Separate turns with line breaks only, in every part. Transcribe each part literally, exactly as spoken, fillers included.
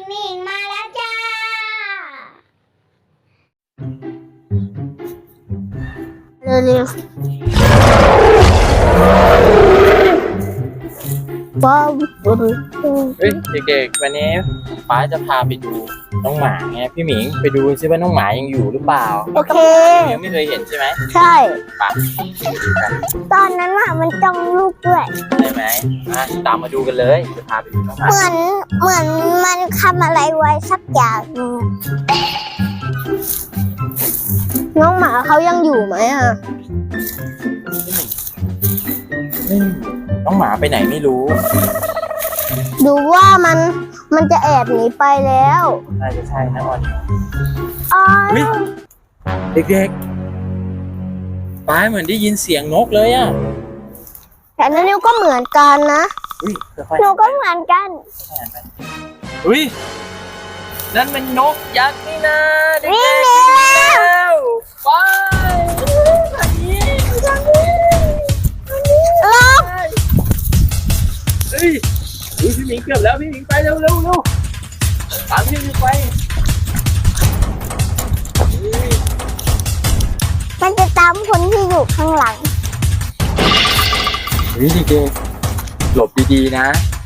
หมิงมาแล้วจ้าเร็วๆว้าว
เฮ้ยเด็กๆวันนี้ป้าจะพาไปดูน้องหมาไงพี่หมิงไปดูซิว่าน้องหมายังอยู่หรือเปล่า
โอเค
พี่หมิงไม่เคยเห็นใช่ไหม
ใช่
ป้า
ตอนนั้นอะมันจ้องลูกด้วย
ใช่ไหมอ่ะตามมาดูกันเลยจะพาไปดูน้องหมา
เหมือนเหมือนมันทำอะไรไว้สักอย่างนึงน้องหมาเขายังอยู่ไหมอ่ะ
อืมน้องหมาไปไหนไม่รู้
ดูว่ามันมันจะแอบหนีไปแล้ว
น่าจะใช่นะออน
อ๋อ
อุ๊ย เด็กๆป้าเหมือนได้ยินเสียงนกเลยอ่ะ
แต่นั่นนิวก็เหมือนกันนะ
อุ้ยค่อย
หนูก็เหมือนกัน
ๆอุ้ยนั่นมันนกยักษ์นี่นะเด็กๆ
วิ่ง
วิ่ง
เร็ว
แล้วไปทางนี้ทางนี้
ลบ
เฮ้ยอุ๊ยพี่หมิงเกือบแล้วพี่หมิงไปเร็วเร็วเร็วตามพี่หมิงไปเฮ้ย
มันจะตามคนที่อยู่ข้างหลัง
เฮ้ยเด็กๆหลบดีๆนะ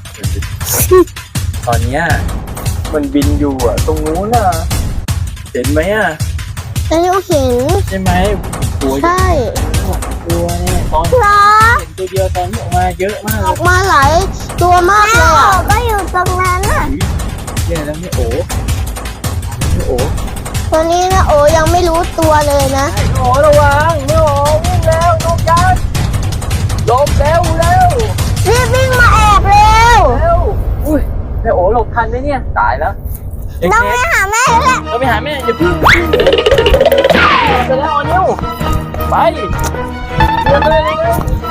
ตอนเนี้ยมันบินอยู่อ่ะตรงนู้นอ่ะเห็นไหมอ่ะ
แล้วนิวเห็น
ใช่ไหมตัวใหญ่
ใช่
ตัวเนี่ยตอน
เหรอ
เห็นตัวเดียวตอนนี้ออกมาเยอะมาก
ออกมาหลายตัวมากเลยอ่ะก็อยู่ตรงนั้นอ่ะ
แย่แล้วไม่โอ้ไม่โอ้
ตัวนี้นะโอยังไม่รู้ตัวเลยนะ
ไม่โอ้ระวังไม่โอ้วิ่งแล้วนกยักษ์หลบเร็วเร็ว
รีบวิ่งมาแอบเร็ว
เร็วอุ้ยแม่โอ๋หลบทันไหมเนี่ยตายแล้วเด็ก
ต้องไปหาแม่แล้วแหละ
ๆเราไปหาแม่อย่าพึ่งไปแล้วออนิวไปเดินเลยเลย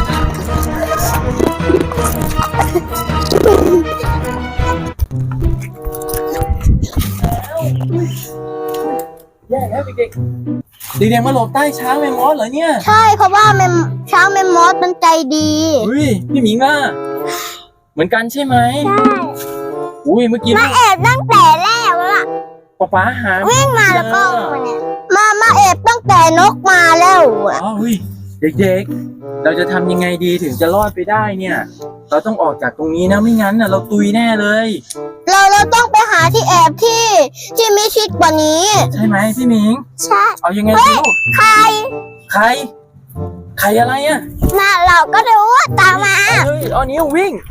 แย่แล้วเด็กๆเด็กๆมาหลบใต้ช้างแมมมอสเหรอเนี่ย
ใช่เพราะว่าแมมช้างแมมมอสมันใจดี
อุ้ยพี่หมิงอ่ะเหมือนกันใช่ไหม
ใช่
อุ้ยเมื่อกี้
มาแอบตั้งแต่แรกแล้วล่ะ
ป๊าป๊าหา
วิ่งมาแล้วก็มาเนี่ยมามาแอบตั้งแต่นกมาแล้วอ่ะ
อ๋ออุ้ยเด็กๆเราจะทำยังไงดีถึงจะรอดไปได้เนี่ย เราต้องออกจากตรงนี้นะไม่งั้นน่ะเราตุยแน่เลย
เราเราต้องไปหาที่แอบที่ที่มิชิดกว่านี้
ใช่ไหมพี่หมิง
ใช่
เอายังไงดีลูก
ใคร
ใครใครอะไรอ่ะ
น่ะเราก็รู้ว่าตามมา
เฮ้ยเอานิ้ววิ่ง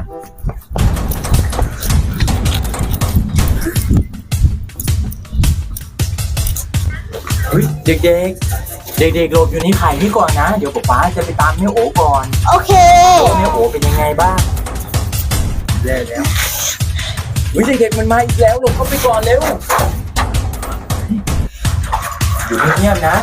เฮ้ยเด็กๆ เด็กๆหลบอยู่ในไข่นี่ก่อนนะ เดี๋ยวป๊าป๊าจะไปตามแม่โอ๋ก่อน
โอเค
แม่โอ๋เป็นยังไงบ้างแย่แล้วเฮ้ยเด็กๆมันมาอีกแล้วหลบเข้าไปก่อนเร็วอยู่เงียบๆนะ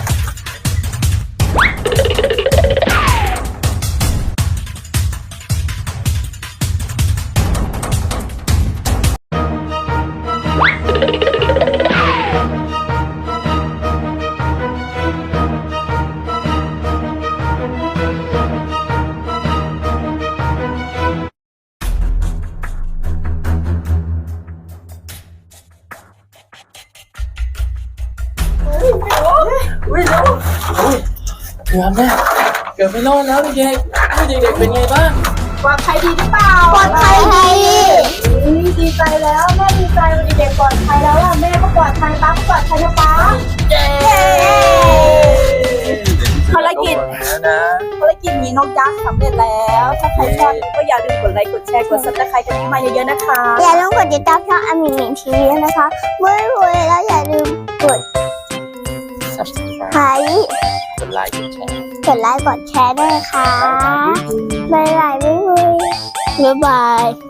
อุ้ยเร็วอุ้ยเกือบแล้วเกือบไม่รอดแล้วเด็กๆอุ้ยเด็กๆเป็นไงบ้าง
ปลอดภัยดีหรือเปล่า
ปลอดภัยดี
อุ๊ยดีใจแล้วแม่ดีใจวันเด็กๆปลอดภัยแล้วล่ะแม่ก็ปลอดภัยป้าก็ปลอดภัยนะป้า
เย้
ภารกิจ
นะ
ภารกิจหนีนกยักษ์สำเร็จแล้ว ถ้าใครชอบก็อย่าลืมกดไลค์กดแชร์กดซับสไครต์กันมาเยอะๆนะคะ
อย่าลืมกดติดตามช่องอามิมินทีวีนะคะเมื่อรวยแล้วอย่าลืมกด
ซับสไคร
ไลค์
กดไลค์กดแชร์
กดไลค์กดแชร์ด้วยค่ะบ๊ายบายบ๊ายบายบ๊ายบาย